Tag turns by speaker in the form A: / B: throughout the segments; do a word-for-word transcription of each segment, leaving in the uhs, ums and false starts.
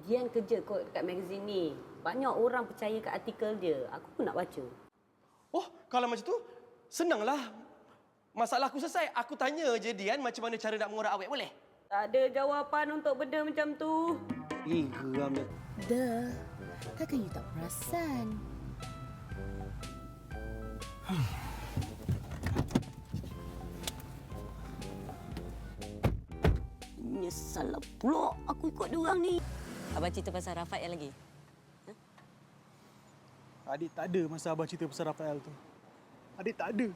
A: Dian kerja kot dekat magazine ni. Banyak orang percaya kat artikel dia. Aku pun nak baca.
B: Oh, kalau macam tu, senanglah. Masalah aku selesai. Aku tanya je Dian macam mana cara nak mengorak awet, boleh?
A: Tak ada jawapan untuk benda macam tu.
B: Eh, geram dia.
C: Dah, takkan you tak perasan?
A: Nyesal pula aku ikut dia orang ni. Abang cerita pasal Rafael lagi. Ha?
D: Adik tak ada masa abang cerita pasal Rafael tu. Adik tak ada.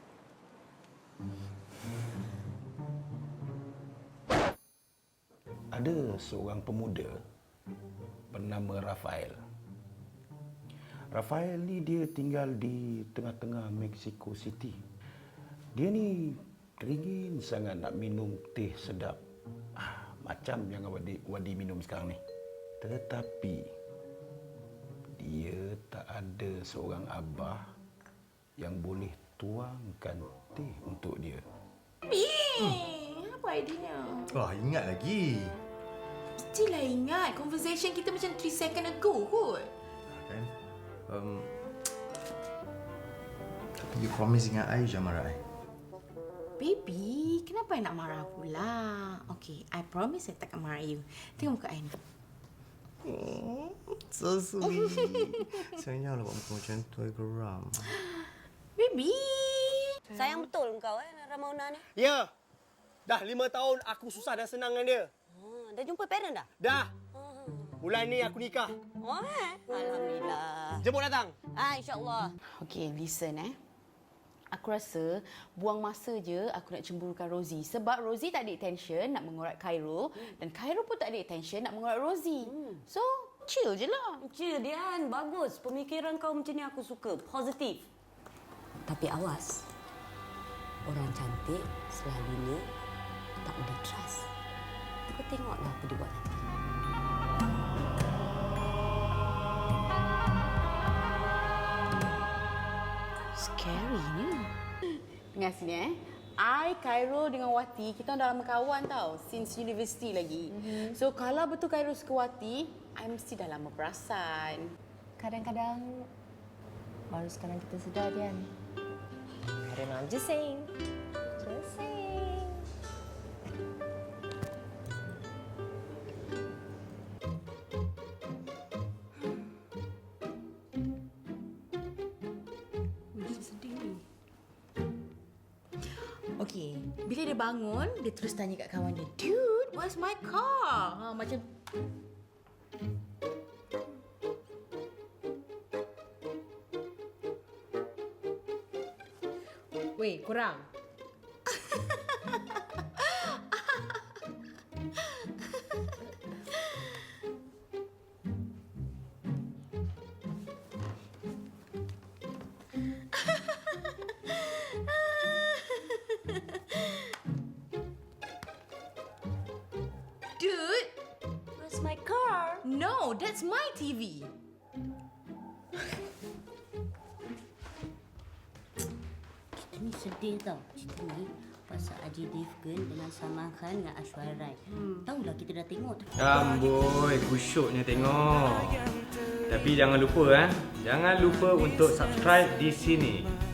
E: Ada seorang pemuda bernama Rafael. Rafael ni dia tinggal di tengah-tengah Mexico City. Dia ni teringin sangat nak minum teh sedap. Ah, macam yang Wadi, Wadi minum sekarang ni. Tetapi dia tak ada seorang abah yang boleh tuangkan teh untuk dia.
C: Bing, apa idenya?
F: Wah, ingat lagi.
C: Mestilah ingat. Conversation kita macam three second ago kot.
F: Kan? Um, tapi you promise ingat I je marah I.
C: Baby, kenapa I nak marah pula? Okay, I promise I takkan marah you. Tengok muka I ni.
F: Oh, so sweet. Sayanglah buat muka macam tu, I geram.
C: Baby!
A: Sayang betul kau eh, Ramona ni.
B: Ya. Dah lima tahun aku susah dan senang dengan dia.
A: Ha, dah jumpa parent dah?
B: Dah. Bulan ni aku nikah.
A: Oh, eh? Alhamdulillah.
B: Jemput datang.
A: Ah, insyaAllah.
C: Okay, listen eh. Aku rasa buang masa je aku nak cemburukan Rosie. Sebab Rosie tak ada attention nak mengorat Khairul. Dan Khairul pun tak ada attention nak mengorat Rosie. Hmm. So, chill je lah.
A: Chill, Dian. Bagus. Pemikiran kau macam ni aku suka. Positif. Tapi awas. Orang cantik selalunya tak boleh trust. Kau tengoklah apa dia buat nanti.
C: Scary-nya. Dengar sini eh. I, Khairul dengan Wati, kita dah lama kawan tau. Since university lagi. Mm-hmm. So, kalau betul Khairul suka Wati, I mesti dah lama perasan.
G: Kadang-kadang baru sekarang kita sedar, Dian. I don't know, I'm just saying. Just saying.
C: Okey, bila dia bangun, dia terus tanya kat kawan dia, "Dude, where's my car?" Ha, macam Weh, korang. Dude,
A: Where's my car?
C: no, that's my T V.
A: Cerita ni sedih tau. Cerita ni pasal Ajay Devgan dengan Salman Khan dengan Aishwarya Rai. Hmm. Tahulah kita dah tengok tu.
H: Amboi, kusyuknya tengok. Tapi jangan lupa eh, jangan lupa untuk subscribe di sini.